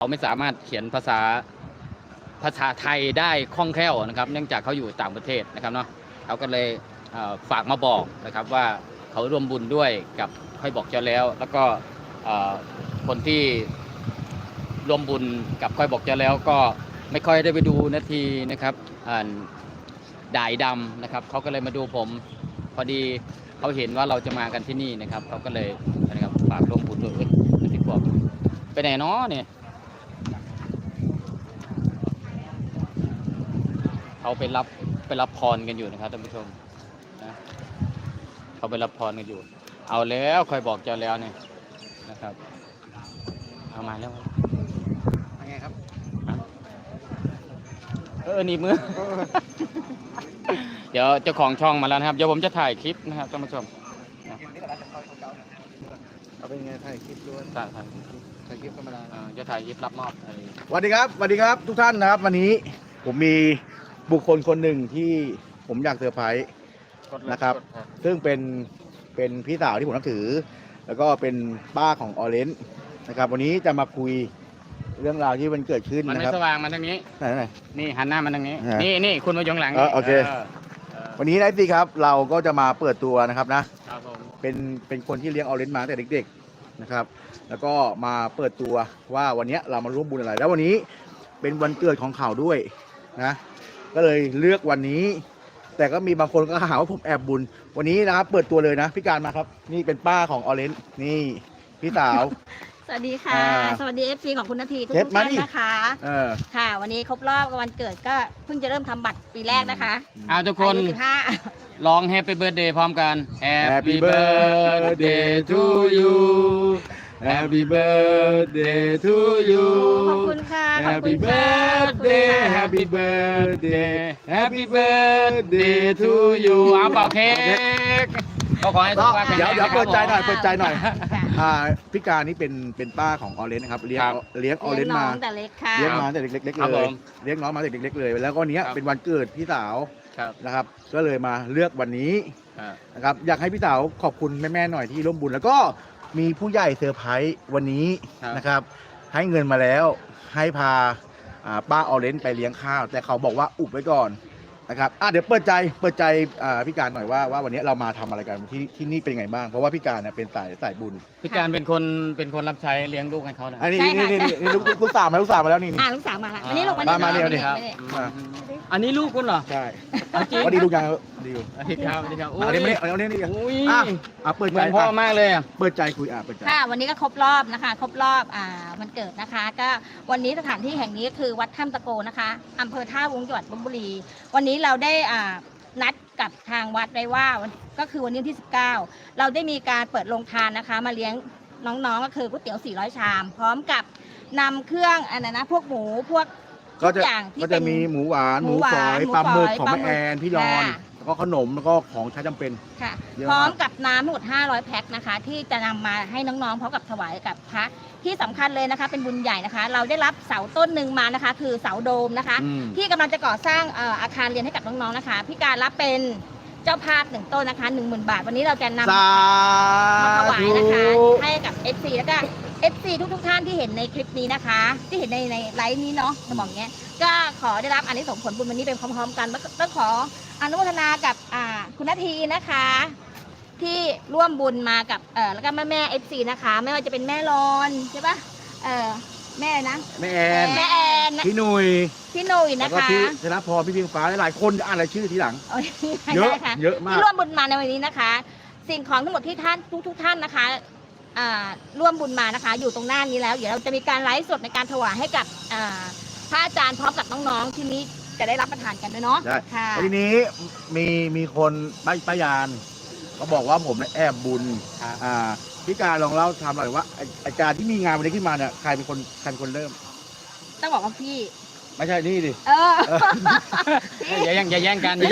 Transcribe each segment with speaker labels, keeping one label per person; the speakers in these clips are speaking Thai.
Speaker 1: เขาไม่สามารถเขียนภาษาไทยได้คล่องแคล่วนะครับเนื่องจากเขาอยู่ต่างประเทศนะครับเนาะเขาก็เลยฝากมาบอกนะครับว่าเขาร่วมบุญด้วยกับค่อยบอกเจ้าแล้วก็คนที่ร่วมบุญกับค่อยบอกเจ้าแล้วก็ไม่ค่อยได้ไปดูนาทีนะครับด่ายดำนะครับเขาก็เลยมาดูผมพอดีเขาเห็นว่าเราจะมากันที่นี่นะครับเขาก็เลยนะครับฝากร่วมบุญด้วยที่พวกไปไหนเนาะเนี่ยเขาไปรับพรกันอยู่นะครับท่านผู้ชมนะเขาไปรับพรกันอยู่เอาแล้วค่อยบอกเจ้าแล้วเนี่ยนะครับเอามาแล้ว
Speaker 2: ไงครับ
Speaker 1: หนีมือ เดี๋ยวเจ้าของช่องมาแล้วนะครับเดี๋ยวผมจะถ่ายคลิปนะครับท่านผู้ชม
Speaker 2: เอาเป็นไงถ่ายคลิปด้วยถ่ายคลิปธรรมดา
Speaker 1: จะถ่ายคลิปรับมอบ
Speaker 2: สวัสดีครับทุกท่านนะครับวันนี้ผมมีบุคคลคนหนึ่งที่ผมอยากเซอร์ไพรส์นะครับซึ่งเป็นพี่สาวที่ผมนับถือแล้วก็เป็นป้าของออเรนจ์นะครับวันนี้จะมาคุยเรื่องราวที่มันเกิดขึ้น
Speaker 1: มันไม่สว่างมันทางนี้
Speaker 2: ไหน
Speaker 1: นี่หันหน้ามันทางนี้นี่คุณมาอยู่หลัง
Speaker 2: โอเควันนี้นะพี่ครับเราก็จะมาเปิดตัวนะครับนะเป็นคนที่เลี้ยงออเรนจ์มาตั้งแต่เด็กๆนะครับแล้วก็มาเปิดตัวว่าวันนี้เรามาร่วมบุญอะไรแล้ววันนี้เป็นวันเกิดของเขาด้วยนะก็เลยเลือกวันนี้แต่ก็มีบางคนก็หาว่าผมแอบบุญวันนี้นะครับเปิดตัวเลยนะพี่การมาครับนี่เป็นป้าของออเรนจ์นี่พี่สาว
Speaker 3: สวัสดีค่ะสวัสดี FC ของคุณนาทีทุกท่านนะคะค่ะวันนี้ครบรอบวันเกิดก็เพิ่งจะเริ่มทำบัตรปีแรกนะคะ
Speaker 1: ทุกคนร้อง Happy Birthday พร้อมกัน Happy Birthday to you Happy Birthday to you
Speaker 3: ขอบคุณค่ะ
Speaker 1: Happy Birthday Happy Birthday Happy Birthday to you เอาเป่าเค้กก็ขอให้ทุกท่าน
Speaker 2: เดี๋ยวเปิดใจหน่อยพี่การนี่เป็นป้าของออเรนจ์นะครับเลี้ยงออเรนจ์มา
Speaker 3: แต่เล็กค่ะ
Speaker 2: เลี้ยงมาแต่เล็กๆเลยเลี้ยงน้องมาแต่เล็กๆเลยแล้วก็เนี้ยเป็นวันเกิดพี่สาวนะครับก็เลยมาเลือกวันนี้นะครับอยากให้พี่สาวขอบคุณแม่ๆหน่อยที่ร่วมบุญแล้วก็มีผู้ใหญ่เซอร์ไพรส์วันนี้นะครับให้เงินมาแล้วให้พาป้าออเรนจ์ไปเลี้ยงข้าวแต่เขาบอกว่าอุบไว้ก่อนนะครับเดี๋ยวเปิดใจพี่การหน่อยว่าวันนี้เรามาทำอะไรกันที่นี่เป็นไงบ้างเพราะว่าพี่การเป็นสายบุญ
Speaker 1: พี่การเป็นคนรับใช้เลี้ยงลูกให้เขานะ
Speaker 2: นี่ลูกสาวมาแล้วนี่
Speaker 3: ลูกสาวมาแล้วอันนี้ลูก
Speaker 2: มาเร็วนี่
Speaker 1: อันนี้ลูกคุณเหรอ
Speaker 2: ใช่วันนี้ลูกยังดีอยู่
Speaker 1: สวัสดีครับ
Speaker 2: อันนี้เปิดใจ
Speaker 1: พ่อมากเลย
Speaker 2: เปิดใจคุยเปิดใจ
Speaker 3: ค่ะวันนี้ก็ครบรอบนะคะครบรอบวันเกิดนะคะก็วันนี้สถานที่แห่งนี้คือวัดถ้ำตะโกนะคะอำเภอท่าวุ้งจังหวัดลพบุรีวันนี้เราได้นัดกับทางวัดไว้ว่าก็คือวันนี้ที่19เราได้มีการเปิดโรงทานนะคะมาเลี้ยงน้องๆก็คือก๋วยเตี๋ยว400ชามพร้อมกับนำเครื่องพวกหมูพวก
Speaker 2: ก็จะมีหมูหวานหมูฝอยปลาหมึกของแม่แอนพี่รอนแล้วก็ขนมแล้วก็ของใช้จำเป็น
Speaker 3: ค่ะพร้อมกับน้ำทั้งหมด500แพ็คนะคะที่จะนำมาให้น้องๆพร้อมกับถวายกับพระที่สำคัญเลยนะคะเป็นบุญใหญ่นะคะเราได้รับเสาต้นหนึ่งมานะคะคือเสาโดมนะคะที่กำลังจะก่อสร้างอาคารเรียนให้กับน้องๆนะคะพี่การรับเป็นเจ้าภาพ1ต้นนะคะ 10,000 บาทวันนี้เราจะนำมาถวายนะคะให้กับ FC แล้วก็ FC ทุกท่านที่เห็นในคลิปนี้นะคะที่เห็นในไลฟ์นี้เนาะจะบอกเงี้ยก็ขอได้รับอานิสงส์ผลบุญวันนี้เป็นพร้อมๆกันต้องขออนุโมทนากับคุณนาทีนะคะที่ร่วมบุญมากับแล้วก็แม่ FC นะคะไม่ว่าจะเป็นแม่รอนใช่ปะแม่นะ
Speaker 2: แม่แอน พี่หนุ่ย
Speaker 3: นะคะ
Speaker 2: แล้วก็พี่ธนพรพี่เพียงฟ้าหลายคนอ่านรายชื่อทีหลังเยอะมาก
Speaker 3: ที่ร่วมบุญมาในวันนี้นะคะสิ่งของทั้งหมดที่ท่านทุกท่านนะคะร่วมบุญมานะคะอยู่ตรงหน้านี้แล้วเดี๋ยวเราจะมีการไลฟ์สดในการถวายให้กับพระอาจารย์พร้อมกับน้องๆที่นี้จะได้รับประทานกันด้วยเนาะ
Speaker 2: ค่ะทีนี้มีคนป้ายานเขาบอกว่าผมแอบบุญพี่การลองเล่าทำหน่อยว่าอาจารย์ที่มีงานวันนี้ขึ้นมาเนี่ยใครเป็นคนเริ่ม
Speaker 3: ต้องบอกว่าพี่
Speaker 2: ไม่ใช่นี่ดิ
Speaker 1: อย่าแย่งกัน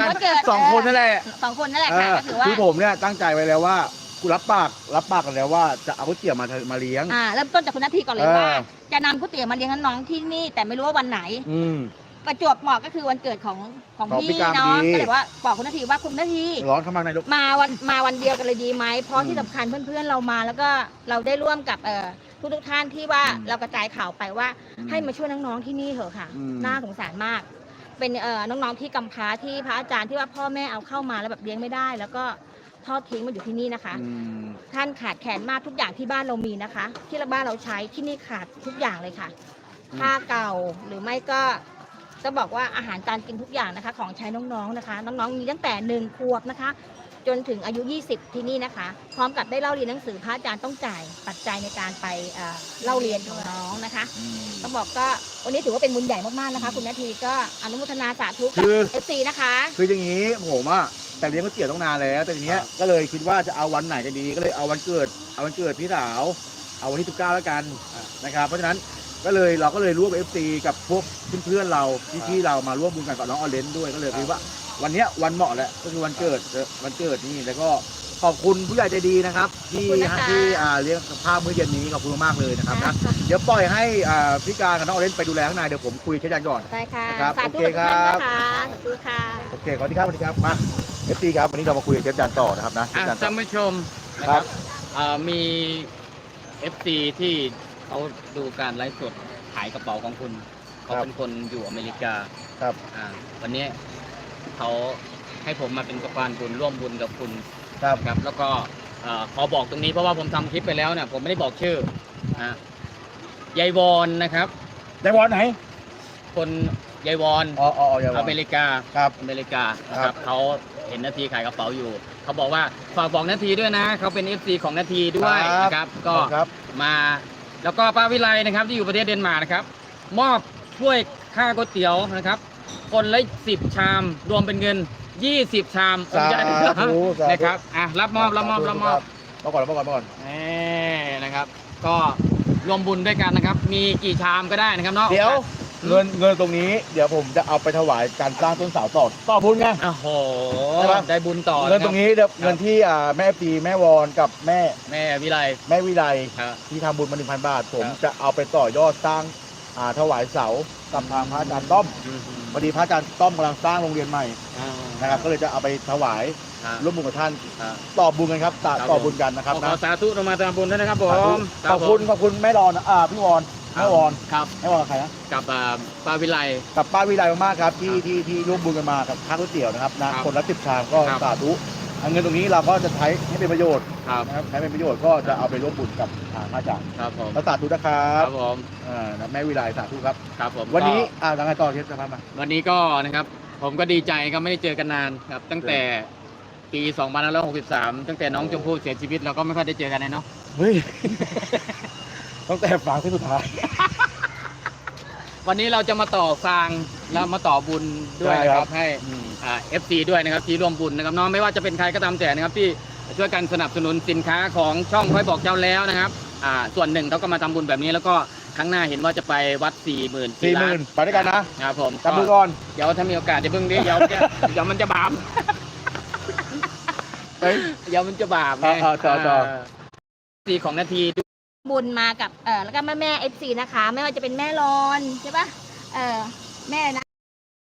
Speaker 2: 2 คนนั่นแหละ
Speaker 3: ค่ะก็ถือว่า
Speaker 2: ที่ผมเนี่ยตั้งใจไว้แล้วว่ากูรับปากกันแล้วว่าจะเอาก๋วยเตี๋ยวมาเลี้ยง
Speaker 3: เริ่มต้นจากคุณนาทีก่อนเลยว่าจะนำก๋วยเตี๋ยวมาเลี้ยงน้องๆที่นี่แต่ไม่รู้ว่าวันไหนประจวบเหมาะก็คือวันเกิดของ
Speaker 2: ของ
Speaker 3: พี่
Speaker 2: พี่กาม
Speaker 3: เนาะ
Speaker 2: ดี
Speaker 3: ก็เลยว่าบอกคุณนาทีว่าคุณนาที
Speaker 2: ร้อนเข้ามาในลูก
Speaker 3: มาวันเดียวกันเลยดีไหมเพราะที่สำคัญเพื่อนๆเรามา แล้วก็เราได้ร่วมกับทุกท่านที่ว่าเรากระจายข่าวไปว่าให้มาช่วยน้องๆที่นี่เถอะค่ะ น่าสงสารมาก เป็นน้องๆที่กำพร้าที่พระอาจารย์ที่ว่าพ่อแม่เอาเข้ามาแล้วแบบเลี้ยงไม่ได้ แล้วก็ทอดทิ้งมาอยู่ที่นี่นะคะ ท่านขาดแคลนมากทุกอย่างที่บ้านเรามีนะคะ ที่บ้านเราใช้ที่นี่ขาดทุกอย่างเลยค่ะผ้าเก่าหรือไม่ก็จะบอกว่าอาหารการกินทุกอย่างนะคะ ของใช้น้องๆนะคะ น้องๆมีตั้งแต่1 ขวบนะคะ จนถึงอายุ 20 ที่นี่นะคะ พร้อมกับได้เล่าเรียนหนังสือพระอาจารย์ต้องจ่ายปัจจัยในการไปเล่าเรียนของน้องนะคะต้องบอกก็วันนี้ถือว่าเป็นบุญใหญ่มากๆนะคะ คุณนาทีก็อนุโมทนาสาธุกับ FC นะคะ
Speaker 2: คืออย่างนี้ผมอะแต่เลี้ยงก๋วยเตี๋ยวต้องนานแล้ว แต่ทีเนี้ยก็เลยคิดว่าจะเอาวันไหนกันดี ก็เลยเอาวันเกิดพี่สาวเอาวันที่19แล้วกันนะครับเพราะฉะนั้นเราก็เลยร่วม FC กับพวกเพื่อนๆเราพี่ๆเรามาร่วมบุญกันกับน้องออเรนจ์ด้วยก็เลยคิดว่าวันเนี้ยวันเหมาะแหละก็คือวันเกิดนี่แล้วก็ขอบคุณผู้ใหญ่ใจดีนะครับที่
Speaker 3: ขอบคุณนะคะ
Speaker 2: ที่เลี้ยงข้าวมื้อเย็นนี้ขอบคุณมากเลยนะครับนะเดี๋ยวปล่อยให้พี่การกับน้องออเรนจ์ไปดูแลข้างในเดี๋ยวผมคุยแค่ยันก่อน
Speaker 3: ได้ค่ะ
Speaker 2: ครับ
Speaker 3: สาธุ
Speaker 2: โอเค
Speaker 3: กับทุกท่าน
Speaker 2: ครับ
Speaker 3: นะคะสาธุค่ะ
Speaker 2: โอเคสวัสดีครับมาFC ครับวันนี้เรามาคุยกับเชฟจันต่อนะครับนะเชฟจันต่อ
Speaker 1: ท่านผู้ชมนะ
Speaker 2: ค
Speaker 1: ค
Speaker 2: รั
Speaker 1: รับ บมี FC ที่เขาดูการไลฟ์สดขายกระเป๋าของคุณเขาเป็นคนอยู่อเมริกา
Speaker 2: ครับ
Speaker 1: วันนี้เขาให้ผมมาเป็นสะพานบุญร่วมบุญกับคุณ
Speaker 2: ครับ
Speaker 1: ครับแล้วก็ขอบอกตรงนี้เพราะว่าผมทำคลิปไปแล้วเนี่ยผมไม่ได้บอกชื่ออ่ายายวอนนะครับ
Speaker 2: ได้บอลไหน
Speaker 1: คนยายวอน
Speaker 2: อ๋ออย่าบอล
Speaker 1: อเมริกา
Speaker 2: ครับ
Speaker 1: อเมริกานะค
Speaker 2: ครั
Speaker 1: รับบ เขาเห็นนาทีขายกระเป๋าอยู่ เขาบอกว่าฝากบอกนาทีด้วยนะเขาเป็น FC ของนาทีด้วยนะครับก็
Speaker 2: ครับ
Speaker 1: มาแล้วก็ป้าวิไลนะครับที่อยู่ประเทศเดนมาร์กนะครับ มอบช่วยค่าก๋วยเตี๋ยวนะครับ คนละ10 ชามรวมเป็นเงิน 20 ชาม
Speaker 2: สาธุสาธุ
Speaker 1: นะครับรับมอบ
Speaker 2: มาก่อน
Speaker 1: นะครับ ก็รวมบุญด้วยกันนะครับ มีกี่ชามก็ได้นะครับเนาะ
Speaker 2: เดี๋ยวเงินตรงนี้เดี๋ยวผมจะเอาไปถวายการสร้างต้นเสาต่อบุญไง
Speaker 1: โอ้โห
Speaker 2: ใช่ปะ
Speaker 1: ได้บุญต่อ
Speaker 2: เงินตรงนี้เดี๋ยวเงินที่แม่ปีแม่วอนกับแม่
Speaker 1: แม่วิไล
Speaker 2: วิไล
Speaker 1: ครับ
Speaker 2: ที่ทำบุญมา 1,000 บาท ผม
Speaker 1: ครับ
Speaker 2: จะเอาไปต่อยอดสร้างถวายเสากับทางพระอาจารย์ต้อมพอดีพระอาจารย์ต้อมกำลังสร้างโรงเรียนใหม่นะครับก็เลยจะเอาไปถวายร่วมบุญกับท่านต่อบุญกันครับต่อบุญกันนะครับ
Speaker 1: ขอ
Speaker 2: นะ
Speaker 1: สาธุเรามาทำบุญด้วยนะครับผม
Speaker 2: ขอบคุณแม่รอนพี่วอนแม่วอน
Speaker 1: ครับ
Speaker 2: แม่วอนกับใครนะ
Speaker 1: กับป้าวิไล
Speaker 2: กับป้าวิไลมากๆครับที่ร่วมบุญกันมากับค่าก๋วยเตี๋ยวนะครับนะครับ คนละ10 ชามก็
Speaker 1: ครับ
Speaker 2: สาธุเงินตรงนี้เราก็จะใช้ให้เป็นประโยชน์
Speaker 1: ครับ
Speaker 2: นะครับใช้เป็นประโยชน์ก็จะเอาไปร่วมบุญกับทางพระอาจารย์
Speaker 1: ครับผม
Speaker 2: แล้วสาธุนะครั
Speaker 1: ครับ บผม
Speaker 2: แม่วิไลสาธุครับ
Speaker 1: ครับผม
Speaker 2: วันนี้
Speaker 1: ก็
Speaker 2: ทางการต่อเทปสภาพมา
Speaker 1: วันนี้ก็นะครับ ผมก็ดีใจครับไม่ได้เจอกันนานครับ ตั้งแต่ปี2563ตั้งแต่น้องชมพู่เสียชีวิตเราก็ไม่ค่อยได้เจอกันเลยเนาะ
Speaker 2: เฮ้ย ตั้งแต่ฟังที่สุดท้าย
Speaker 1: วันนี้เราจะมาต่อฟางแล้วมาต่อบุญด้วยนะค
Speaker 2: ใช่ครั
Speaker 1: รับบ ให้FC ด้วยนะครับที่ร่วมบุญนะครับน้องไม่ว่าจะเป็นใครก็ตามแต่นะครับที่ช่วยกันสนับสนุนสินค้าของช่องค่อยบอกเจ้าแล้วนะครับส่วนหนึ่งเขาก็มาทำบุญแบบนี้แล้วก็ครั้งหน้าเห็นว่าจะไปวัด 40,000 ล้าน
Speaker 2: 40,000ไปด้วยกันนะครับ
Speaker 1: ผม
Speaker 2: จับมือก่อน
Speaker 1: เดี๋ยวถ้ามีโอกาสจะเพิ่งดิเดี๋ยวมันจะบาป
Speaker 2: เฮ้ย
Speaker 1: เดี๋ยวมันจะบาปไง
Speaker 2: ต่อ
Speaker 1: สีของนาที
Speaker 3: บุญมากับแล้วก็แม่ FC นะคะ ไม่ว่าจะเป็นแม่รอนใช่ปะแม่นะ